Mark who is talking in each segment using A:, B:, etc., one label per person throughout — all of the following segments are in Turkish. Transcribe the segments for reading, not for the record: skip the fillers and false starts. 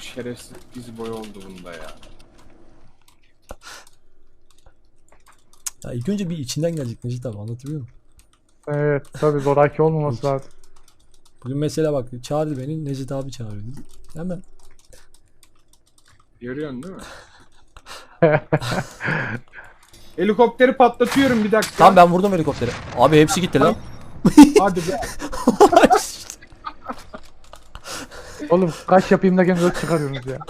A: Şerefsiz diz boyu oldu bunda ya.
B: Ya ilk önce bir içinden gelecek Necdet abi, anlatabiliyor muyum?
C: Evet tabi zoraki olmaması
B: Hiç.
C: lazım.
B: Bugün mesela bak çağırdı beni, Necdet abi çağırıyor dedi. Hemen.
A: Görüyorsun değil mi? Helikopteri patlatıyorum bir dakika.
B: Tamam ben vurdum helikopteri. Abi hepsi gitti lan.
A: Hadi be.
C: Oğlum kaç yapayım da gene 4 çıkarıyorsunuz ya.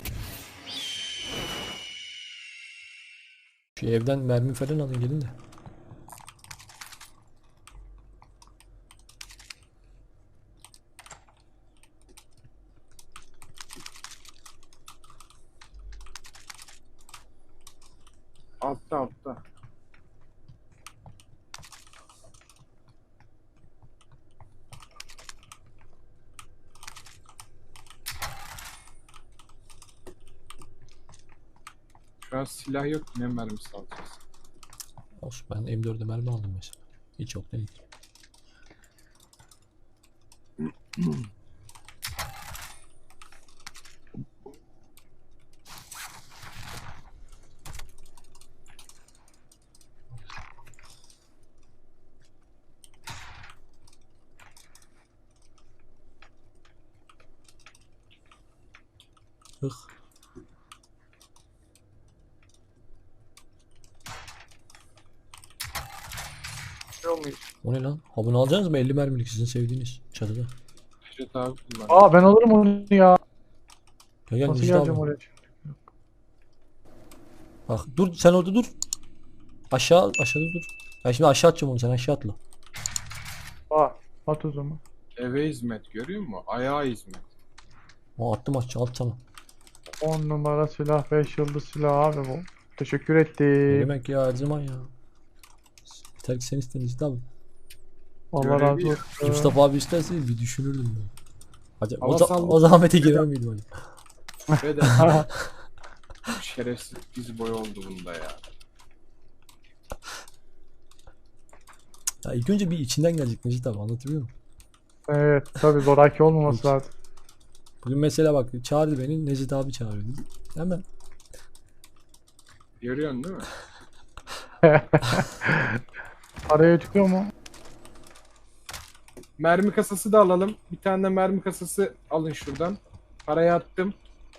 B: Şu evden mermi falan alın gelin de.
A: Altta. Şu an silah yok, ne mermisi alacağız?
B: Olsun, ben M4'e mermi aldım mesela. Hiç yok değil. Hıh. O ne lan? Ha bunu alacaksınız mı? 50 mermilik sizin sevdiğiniz çatıda.
A: Necdet abi kullan.
C: Aa ben alırım onu ya.
B: Gel gel
C: Nasıl
B: Necdet
C: geleceğim
B: abi.
C: oraya?
B: Bak dur sen orada dur. Aşağıda dur. Ben şimdi aşağı atacağım onu, sen aşağı atla.
C: Aa at o zaman.
A: Eve hizmet görüyor musun? Ayağa hizmet.
B: O attım aşağı, at tamam.
C: 10 numara silah 5 yıldız silah abi bu. Teşekkür
B: Ne
C: ettim.
B: demek ya, her zaman ya. Yeter ki sen iste Necdet abi.
C: Allah razı
A: Görevi-
C: olsun.
B: Mustafa abi isterse bir düşünürdüm ben. Acaba
A: Hava sallı-
B: o zahmete girer miydim acaba?
A: Ve de şerefsiz diz boyu oldu bunda ya.
B: Ya ilk önce bir içinden gelecek Necdet abi, anlatabiliyor muyum?
C: Evet tabi zoraki olmaması
B: Hiç.
C: lazım.
B: Bugün mesela bak çağırdı beni, Necdet abi çağırıyor dedi. Hemen.
A: Görüyorsun değil mi?
C: Araya çıkıyor mu?
A: Mermi kasası da alalım. Bir tane de mermi kasası alın şuradan. Paraya attım.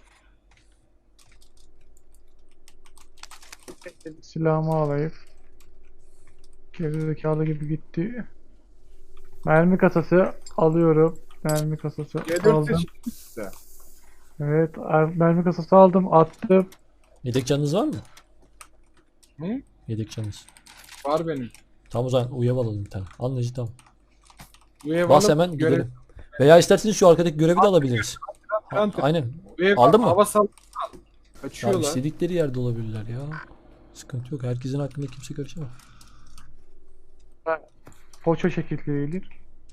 C: Silahımı alayım. Gerizekalı gibi gitti. Mermi kasası alıyorum. Mermi kasası
A: C4
C: aldım.
A: seçtim size.
C: Evet mermi kasası aldım attım.
B: Yedek canınız var mı?
A: Hı?
B: Yedek canınız.
A: Var benim.
B: Tamam o zaman uyav alalım bir tane. Al Necdet abi.
A: Bu ev
B: Bas
A: alıp
B: hemen
A: görev-
B: gidelim. Veya isterseniz şu arkadaki görevi de alabiliriz.
A: Hunter.
B: Aynen.
A: Bu ev
B: Aldın mı?
A: hava sal-
B: Ya
A: Kaçıyorlar.
B: istedikleri yerde olabilirler ya. Sıkıntı yok. Herkesin hakkında kimse karışamaz.
C: Poça şekilleridir.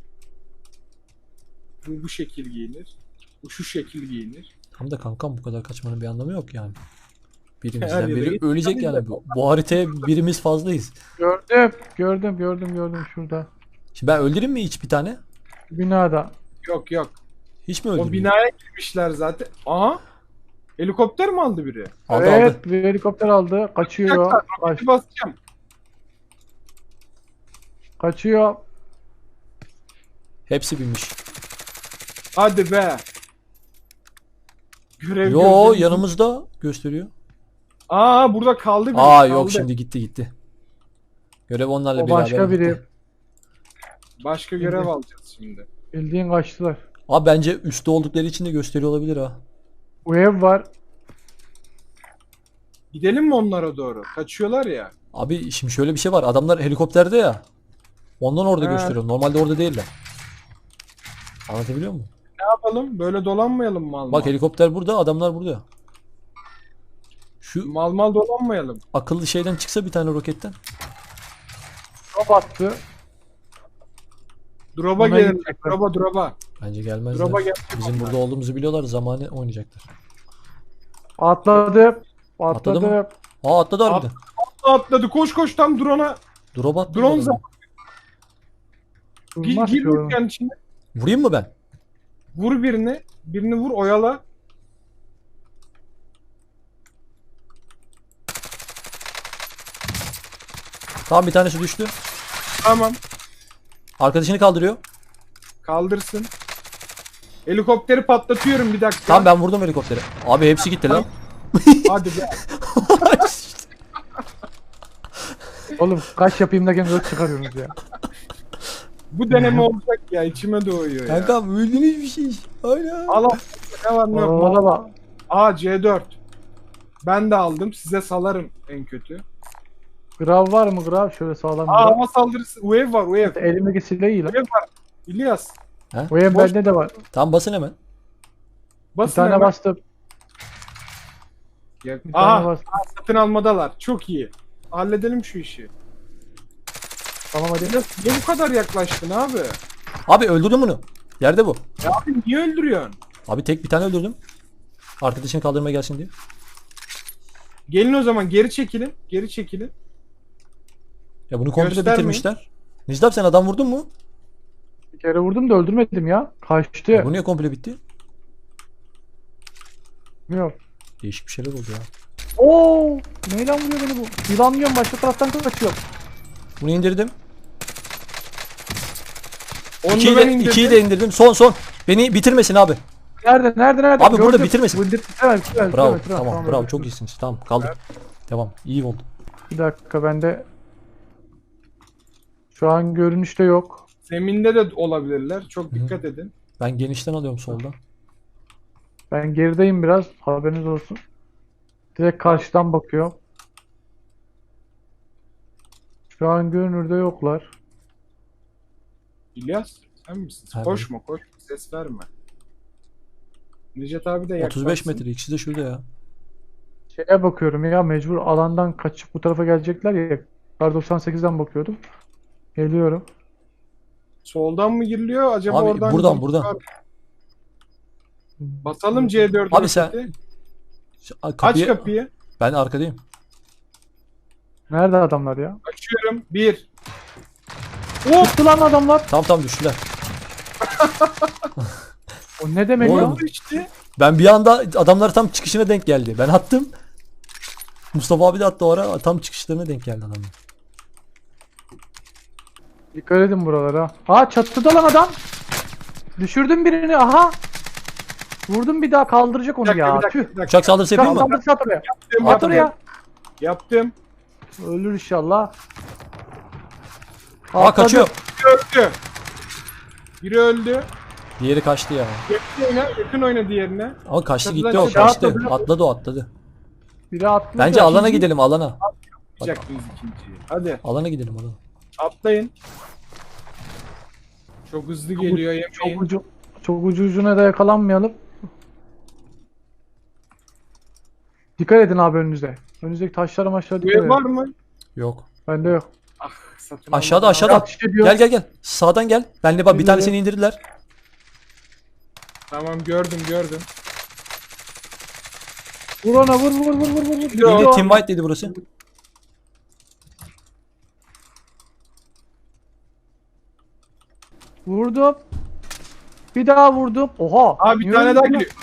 A: Bu şekil giyinir. Bu şu şekil giyinir.
B: Tam da kankam bu kadar kaçmanın bir anlamı yok yani.
A: Her
B: Birimizden
A: yere
B: biri
A: git.
B: ölecek yani. Bu haritaya birimiz fazlayız.
C: Gördüm şurada.
B: Şimdi ben öldüreyim mi hiç bir tane?
C: Binada.
A: Yok.
B: Hiç mi
A: O
B: öldüreyim?
A: binaya girmişler zaten. Aha. Helikopter mi aldı biri?
B: Aldı
C: Evet
B: aldı.
C: bir helikopter aldı. Kaçıyor.
A: Bir basacağım.
C: Kaçıyor.
B: Hepsi binmiş.
A: Hadi be. Görev
B: Yo
A: gözlerimizi-
B: yanımızda gösteriyor.
A: Aa burada kaldı biri.
B: Aa
A: kaldı.
B: yok şimdi gitti. Görev onlarla
C: O
B: beraber
C: başka
B: gitti.
C: biri.
A: Başka görev alacağız şimdi.
C: Bildiğin kaçtılar.
B: Abi bence üstte oldukları için de gösteriyor olabilir ha.
C: Bu ev var.
A: Gidelim mi onlara doğru? Kaçıyorlar ya.
B: Abi şimdi şöyle bir şey var. Adamlar helikopterde ya. Ondan orada
A: He.
B: gösteriyor. Normalde orada değiller. Anlatabiliyor muyum?
A: Ne yapalım? Böyle dolanmayalım mal mal.
B: Bak helikopter burada, adamlar burada. Şu
A: Mal mal dolanmayalım.
B: akıllı şeyden çıksa bir tane roketten.
C: O battı.
A: Drop'a
C: Ona
A: gelin.
C: gidecekler.
A: Drop'a.
B: Bence gelmezler.
A: Drop'a gel.
B: Bizim burada olduğumuzu biliyorlar. Zamanı oynayacaklar.
C: Atladı.
B: Atladı mı?
C: Atladı.
B: Aa atladı harbiden.
A: Atladı. Koş tam drone'a.
B: Drop attı.
A: Drone
B: adam.
C: Durmaz
A: Gir
C: ki oğlum.
A: dükkanın içine.
B: Vurayım mı ben?
A: Vur birini. Birini vur oyala.
B: Tamam bir tanesi düştü.
A: Tamam.
B: Arkadaşını kaldırıyor.
A: Kaldırsın. Helikopteri patlatıyorum bir dakika.
B: Tamam ben vurdum helikopteri. Abi hepsi gitti lan.
A: Hadi be.
C: Oğlum kaç yapayım derken göz çıkarıyorsunuz ya.
A: Bu deneme olacak ya. İçime doğuyor ya.
B: Kankam öldünüz bir şey. Aynen.
A: Allah ne var ne yok.
C: Orada bak.
A: Aa C4. Ben de aldım. Size salarım en kötü.
C: Grav var mı grav? Şöyle sağlam
A: Aa
C: grav.
A: hava saldırısı. UAV var UAV.
C: Elimdeki silah iyi lan.
A: UAV var. İlyas.
C: O ev
A: Boş-
C: bende de var.
B: Tamam basın hemen.
C: Bir
A: Basın
C: tane
A: hemen.
C: bastım. Bir tane
A: Aha
C: bastım.
A: satın almadalar. Çok iyi. Halledelim şu işi.
C: Tamam hadi.
A: İlyas niye bu kadar yaklaştın abi?
B: Abi öldürdüm bunu. Yerde bu.
A: Ya abi niye öldürüyorsun?
B: Abi tek bir tane öldürdüm. Arkadaşını kaldırmaya gelsin diye.
A: Gelin o zaman geri çekilin. Geri çekilin.
B: Ya bunu komple
A: Göstermeyin.
B: bitirmişler. Necdet abi sen adam vurdun mu?
C: Bir kere vurdum da öldürmedim ya. Kaçtı.
B: Ya bu niye komple bitti?
C: Yok.
B: Değişik bir şeyler oldu ya.
C: Oo! Neyle vuruyor beni bu? Yılanlıyorum başka taraftan kaçıyor.
B: Bunu indirdim.
A: Onu
B: İkiyi
A: ben
B: de,
A: indirdim.
B: ikiyi de indirdim. Son. Beni bitirmesin abi.
C: Nerede?
B: Abi burada bitirmesin.
C: Bitiremez.
B: Bravo. Tamam bravo çok iyisiniz. Tamam kaldır. Devam. İyi oldu.
C: Bir dakika bende. Şu an görünüşte yok.
A: Zeminde de olabilirler. Çok
B: Hı.
A: dikkat edin.
B: Ben genişten alıyorum soldan.
C: Ben gerideyim biraz. Haberiniz olsun. Direkt karşıdan bakıyor. Şu an görünürde yoklar.
A: İlyas sen misin?
B: Abi.
A: Koşma. Ses verme. Necdet abi de yaklaşsın.
B: 35 metre. İkisi de şurada ya.
C: Şeye bakıyorum ya mecbur alandan kaçıp bu tarafa gelecekler ya. Kar 98'den bakıyordum. Geliyorum.
A: Soldan mı giriliyor? Acaba
B: Abi
A: oradan
B: buradan.
A: Basalım C4'ü.
B: Abi sen-
A: Aç
B: Kapıyı...
A: kapıyı.
B: Ben arkadayım.
C: Nerede adamlar ya?
A: Açıyorum. 1.
C: Tuttu lan adamlar.
B: Tamam düştüler.
C: O ne demek
B: Oğlum.
C: ya?
A: Oldu işte.
B: Ben bir anda adamlar tam çıkışına denk geldi. Ben attım. Mustafa abi de attı o ara. Tam çıkışlarına denk geldi adamlar.
C: Dikkat edin buralara. Aa çatıda lan adam. Düşürdüm birini aha. Vurdum bir daha kaldıracak onu ya. Tüh.
B: Uçak saldırısı yapayım mı?
C: Kaldır at oraya.
A: Yaptım,
C: At
A: yaptım.
C: oraya.
A: Yaptım.
C: Ölür inşallah.
B: Aa kaçıyor.
A: Biri öldü. Biri öldü.
B: Diğeri kaçtı ya.
A: Yakın oyna diğerine.
B: Ama kaçtı
A: Çatıdan
B: gitti o
A: aşağı
B: kaçtı.
C: atladı.
B: Atladı o atladı.
C: Biri atladı.
B: Bence alana gidelim alana.
A: Yapacaktınız ikinciyi. Hadi
B: Alana gidelim alana.
A: atlayın. Çok hızlı geliyor yemeyin.
C: Çok ucuna da yakalanmayalım. Dikkat edin abi önünüze. Önünüzdeki taşlara maçlara dikkat
A: Ev
C: edin.
A: var mı?
B: Yok.
C: Bende yok.
A: Satın
B: Aşağıda
A: almadan-
B: aşağıda.
C: Ateş ediyor.
B: Gel. Sağdan gel. Benle bak bir tanesini indirdiler.
A: Tamam gördüm.
C: Vur ona vur.
A: Yok.
B: İndi Team White dedi burası.
C: Vurdum. Bir daha vurdum. Oha.
A: Abi bir
C: niye
A: tane
C: öldü
A: daha
C: lan?
A: geliyor.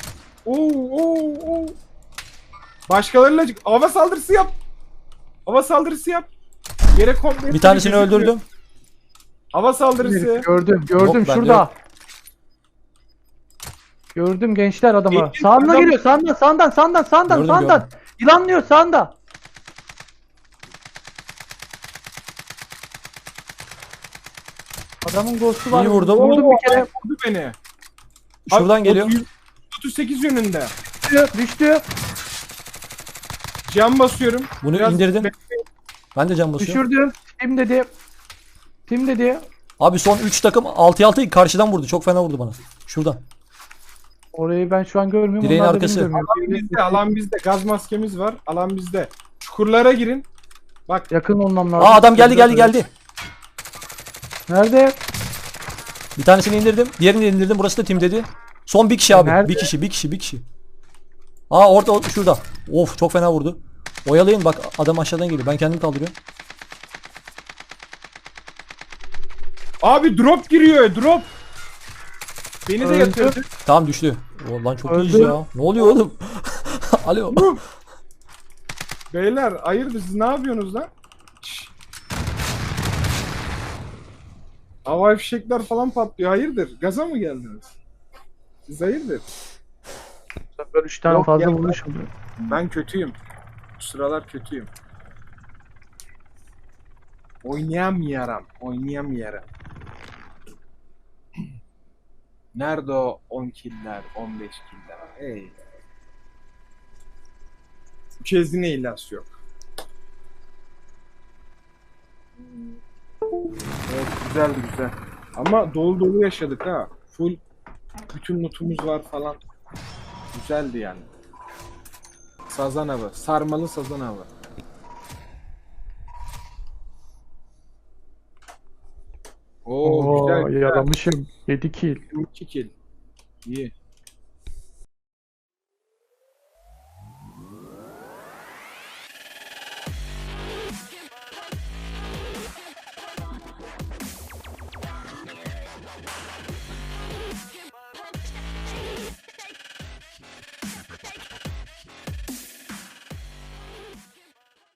A: Oo. Başkalarıyla hava saldırısı yap. Hava saldırısı yap. Yere komple
B: Bir tanesini
A: gözükmüyor.
B: öldürdüm.
A: Hava saldırısı.
C: Gördüm
B: Yok, bende
C: şurada.
B: yok.
C: Gördüm gençler adamı.
A: Genç
C: Sağına
A: adam-
C: geliyor sağından.
B: Gördüm.
C: Yılanlıyor sağında. Adamın ghost'u var.
B: İyi vurdum.
C: Vurdum bir kere.
A: Vurdu beni.
B: Şuradan
A: Abi,
B: geliyor.
A: 38 yönünde.
C: Düştü.
A: Cam basıyorum.
B: Bunu
A: Biraz
B: indirdim.
A: bekleyin.
B: Ben de can basıyorum.
C: Düşürdüm. Tim dedi.
B: Abi son 3 takım 6'ya 6 karşıdan vurdu. Çok fena vurdu bana. Şuradan.
C: Orayı ben şu an görmüyorum.
B: Direğin
C: onlar da
B: arkası.
C: beni görmüyor.
A: Alan bizde. Gaz maskemiz var. Alan bizde. Çukurlara girin. Bak
C: Yakın olmam lazım.
B: Aa adam geldi.
C: Nerede?
B: Bir tanesini indirdim. Diğerini de indirdim. Burası da Team dedi. Son bir kişi abi.
C: Nerede?
B: Bir kişi. Aa orada şurada. Of çok fena vurdu. Oyalayın bak adam aşağıdan geliyor. Ben kendim kaldırıyorum.
A: abi drop giriyor. Drop. Beni de
C: Öldü.
A: yatırdı.
B: Tamam düştü. O, lan çok
C: Öldü.
B: iyiyiz ya. Ne oluyor oğlum? Alo.
A: Beyler hayırdır siz ne yapıyorsunuz lan? Şşş. Havai fişekler falan patlıyor. Hayırdır? Gaza mı geldiniz? Siz hayırdır?
C: Bu sefer 3 tane
A: Yok
C: fazla
A: ya.
C: vuruş oluyor.
A: Ben kötüyüm. Bu sıralar kötüyüm. Oynayamıyorum. Oynayamıyorum. Nerede o 10 killer, 15 killer? Hey. Bu kez yine illas yok. Evet, güzeldi güzel. Ama dolu dolu yaşadık ha. Full bütün lootumuz var falan. Güzeldi yani. Sazan avı. Sarmalı sazan avı. Oo,
C: Oo
A: güzel güzel.
C: yalamışım. 7 kill.
A: 22 kill. İyi.